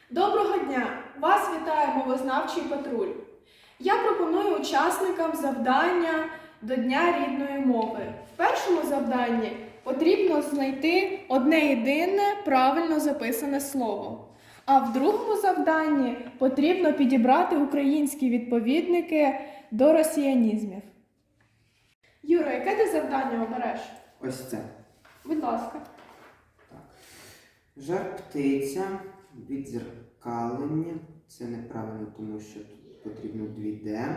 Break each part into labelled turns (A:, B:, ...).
A: Доброго дня! Вас вітає мовознавчий патруль. Я пропоную учасникам завдання до Дня рідної мови. В першому завданні потрібно знайти одне єдине правильно записане слово. А в другому завданні потрібно підібрати українські відповідники до росіянізмів. Юра, яке ти завдання обереш?
B: Ось це.
A: Будь ласка.
B: Так. Жар-птиця, віддзеркалення. Це неправильно, тому що тут потрібно 2D.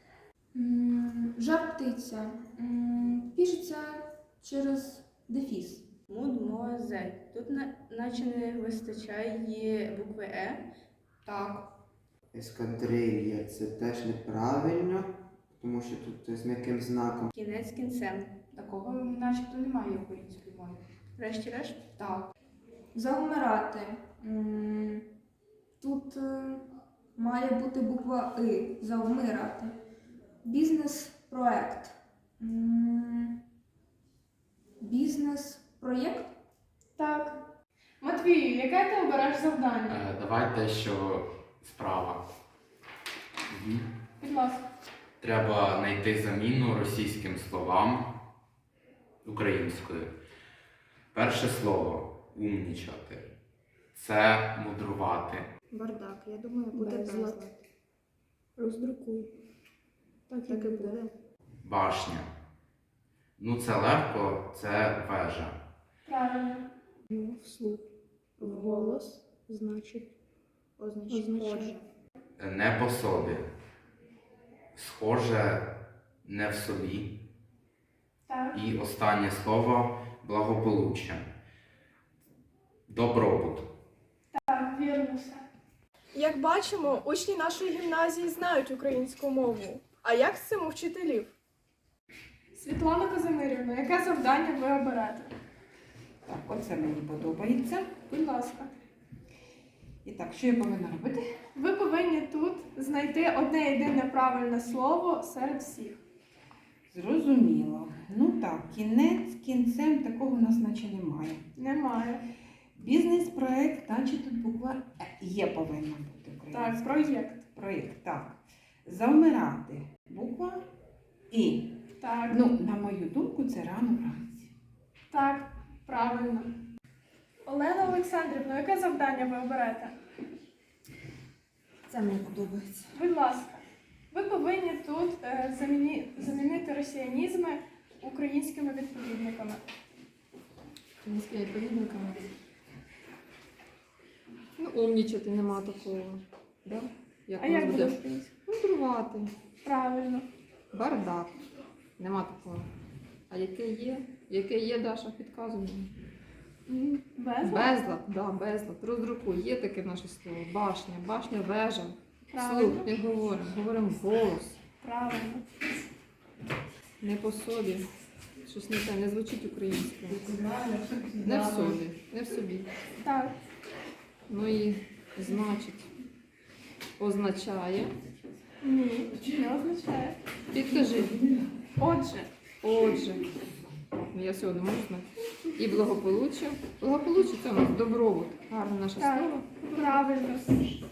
C: Жар-птиця. Пишеться через дефіс.
D: Мудмуазель. Тут наче не вистачає букви Е.
C: Так.
B: Ескадрилья. Це теж неправильно, тому що тут з м'яким знаком.
D: Кінець кінцем.
C: Такого начебто немає в українській мові.
D: Врешті-решт.
C: Так. Завмирати. Тут має бути буква И. Завмирати. Бізнес-проект. Бізнес-проєкт?
A: Так. Матвію, яке ти обереш завдання?
E: Давай те, що справа.
A: Будь ласка.
E: Треба знайти заміну російським словам українською. Перше слово умнічати. Це мудрувати.
F: Бардак, я думаю, буде безлад.
C: Роздрукуй.
F: Так і буде.
E: Башня. Ну це легко, це вежа.
A: Правильно.
F: Вслух. Вголос, значить, означає.
E: Не по собі. Схоже не в собі.
A: Так.
E: І останнє слово благополуччя. Добробут.
A: Так, вірно все. Як бачимо, учні нашої гімназії знають українську мову. А як з цим у вчителів? Світлана Казимирівна, яке завдання ви оберете?
G: Так, оце мені подобається.
A: Будь ласка.
G: І так, що я повинна робити?
A: Ви повинні тут знайти одне єдине правильне слово серед всіх.
G: Зрозуміло. Ну так, кінець кінцем такого у нас наче немає.
A: Немає.
G: Бізнес-проект, наче тут буква Є повинна бути українська.
A: Так, проєкт.
G: Проєкт, так. Завмирати. Буква І.
A: Так,
G: Ну, на мою думку, це рано вранці.
A: так, правильно. Олена Олександрівна, яке завдання ви оберете?
G: Це мені подобається.
A: Будь ласка. Ви повинні тут замінити росіянізми українськими відповідниками.
F: Українськими відповідниками. Ну, умнічати нема такого. Да?
A: А як буде українською?
F: Мудрувати.
A: Правильно.
F: Бардак. Нема такого. А яке є? Яке є, Даша, підказуй мені.
A: Безлад?
F: Безлад, да, безлад. Роздрукуй. Є таке наше слово. Башня. Башня, вежа.
A: Правильно.
F: Слух, не говоримо. Говоримо голос.
A: Правильно.
F: Не по собі. Щось не те, не звучить українською. Не в собі. Не в собі.
A: Так.
F: Ну і значить. Означає.
A: Ні, не означає.
F: Підкажи.
A: Отже,
F: Отже. Ну, я сьогодні можу знати. І благополуччя. Благополуччя це у нас добробут. Гарне наше
A: так,
F: слово.
A: правильно.